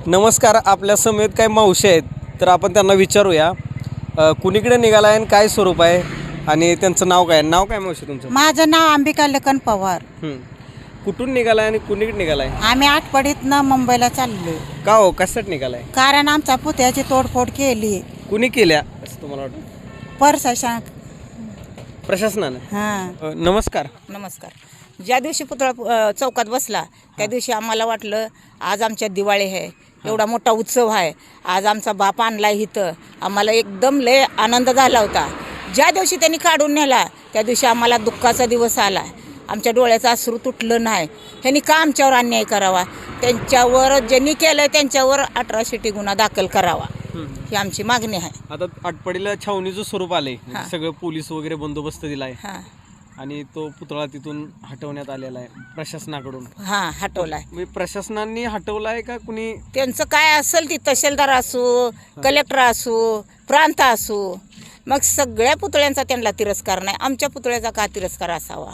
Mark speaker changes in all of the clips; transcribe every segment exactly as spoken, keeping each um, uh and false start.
Speaker 1: नमस्कार. आपल्या समेत काही मावशी आहेत, तर आपण त्यांना विचारूया कुणीकडे निघाला आहे आणि काय स्वरूप आहे आणि त्यांचं नाव काय. नाव काय मावशी तुमचं?
Speaker 2: माझं नाव अंबिका लखन पवार.
Speaker 1: कुठून निघालाय आणि कुणीकडे निघालाय?
Speaker 2: आम्ही आठवडीतनं मुंबईला चाललोय.
Speaker 1: का हो, कशासाठी निघालाय?
Speaker 2: कारण आमच्या पुत्याची तोडफोड केली.
Speaker 1: कुणी केल्या असं तुम्हाला वाटतं?
Speaker 2: प्रशासन.
Speaker 1: प्रशासनानं.
Speaker 2: हां.
Speaker 1: नमस्कार.
Speaker 3: नमस्कार. ज्या दिवशी पुतळा अ, चौकात बसला त्या दिवशी आम्हाला वाटलं आज आमच्या दिवाळी आहे, एवढा मोठा उत्सव आहे, आज आमचा बाप आणला इथं. आम्हाला एकदम लय आनंद झाला होता. ज्या दिवशी त्यांनी काढून नेला त्या दिवशी आम्हाला दुःखाचा दिवस आला. आमच्या डोळ्याचं अश्रू तुटलं नाही. ह्यांनी का आमच्यावर अन्याय करावा? त्यांच्यावर ज्यांनी केलं त्यांच्यावर अठराशे गुन्हा दाखल करावा ही आमची मागणी आहे.
Speaker 1: आता आटपाडीला छावणीचं स्वरूप आलंय,
Speaker 3: हां.
Speaker 1: सगळं पोलीस वगैरे बंदोबस्त दिलाय
Speaker 3: हां
Speaker 1: आणि तो पुतळा तिथून हटवण्यात आलेला आहे प्रशासनाकडून.
Speaker 3: हां हटवलाय.
Speaker 1: म्हणजे प्रशासनाने हटवलाय का कुणी?
Speaker 3: त्यांचं काय असेल ती तहसीलदार असो, कलेक्टर असो, प्रांत असो, मग सगळ्या पुतळ्यांचा त्यांना तिरस्कार नाही, आमच्या पुतळ्याचा का तिरस्कार असावा?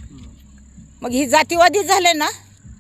Speaker 3: मग ही जातीवादी झाले ना.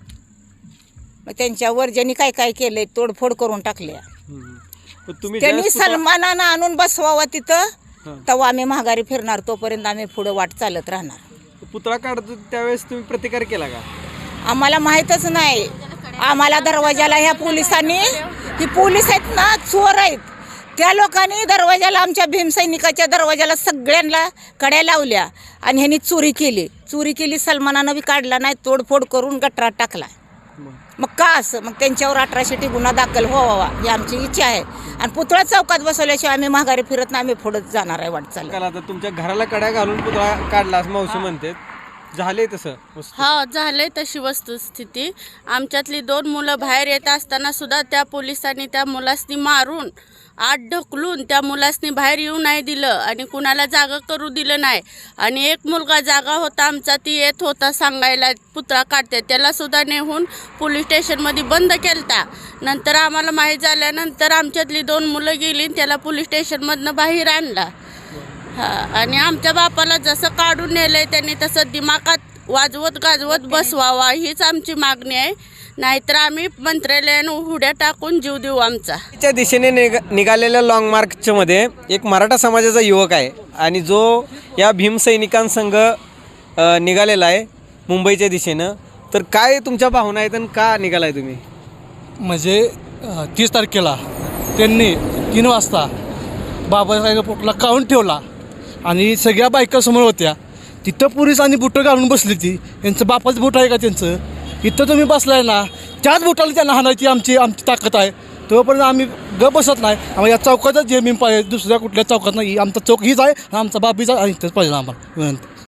Speaker 3: मग त्यांच्यावर ज्यांनी काय काय केलंय तोडफोड करून टाकल्या.
Speaker 1: पण तुम्ही
Speaker 3: त्यांनी
Speaker 1: ज्यावेळेस पुतळा-
Speaker 3: सन्मानानं आणून बसवावं तिथं,
Speaker 1: हां.
Speaker 3: तेव्हा आम्ही महागारी फिरणार, तोपर्यंत आम्ही पुढे वाट चालत राहणार.
Speaker 1: पुतळा काढतो त्यावेळेस तुम्ही प्रतिकार केला का?
Speaker 3: आम्हाला माहीतच नाही. आम्हाला दरवाजाला ह्या पोलिसांनी, ही पोलीस आहेत ना, चोर आहेत, त्या लोकांनी दरवाजाला, आमच्या भीमसैनिकाच्या दरवाजाला सगळ्यांना कड्या लावल्या आणि ह्यांनी चोरी केली. चोरी केली, सलमानानं बी काढला नाही, तोडफोड करून गटरात टाकला. मग का असं? मग त्यांच्यावर अठराशे गुन्हा दाखल व्हावा ही आमची इच्छा आहे. आणि पुतळा चौकात बसवल्याशिवाय आम्ही माघारी फिरत नाही, आम्ही पुढे जाणार आहे वाटचाल.
Speaker 1: काल आता तुमच्या घराला कड्या घालून पुतळा काढला असं मावशी म्हणते, झाले तसं वस्तू?
Speaker 4: हा झालंय तशी वस्तुस्थिती. आमच्यातली दोन मुलं बाहेर येत असताना सुद्धा त्या पोलिसांनी त्या मुलासनी मारून आत ढकलून त्या मुलासनी बाहेर येऊ नाही दिलं आणि कुणाला जागा करू दिलं नाही. आणि एक मुलगा जागा होता आमचा, ती येत होता सांगायला पुतळा काढते, त्याला सुद्धा नेहून पोलीस स्टेशनमध्ये बंद केलता. नंतर आम्हाला माहीत झाल्यानंतर आमच्यातली दोन मुलं गेली, त्याला पोलीस स्टेशनमधनं बाहेर आणला. हा, आणि आमच्या बापाला जसं काढून नेलंय त्यांनी तसं दिमागात वाजवत गाजवत बसवावा हीच आमची मागणी आहे. नाहीतर आम्ही मंत्रालयानं उड्या टाकून जीव देऊ आमचा.
Speaker 1: च्या दिशेने निघ निघालेल्या लाँग मार्चच्या मध्ये एक मराठा समाजाचा युवक आहे आणि जो या भीमसैनिकांसंग अ, निघालेला आहे मुंबईच्या दिशेनं. तर काय तुमच्या भावना आहेत आणि का निघालाय तुम्ही?
Speaker 5: म्हणजे अ, तीस तारखेला त्यांनी तीन वाजता बाबासाहेब पुतळा काढून ठेवला आणि सगळ्या बायका समोर होत्या. तिथं पोलीस आणि बुटं घालून बसली. ती यांचं बापाचं बुट आहे का त्यांचं? इथं तुम्ही बसलाय ना, त्याच बुटाला त्यांना हाणायची आमची आमची ताकद आहे. तोपर्यंत आम्ही ग बसत नाही. आम्हाला या चौकातच जे मी पाहिजे, दुसऱ्या कुठल्या चौकात नाही. आमचा चौक हीच आहे, आमचा बाप हीच आहे आणि इथंच पाहिजे आम्हाला विनंती.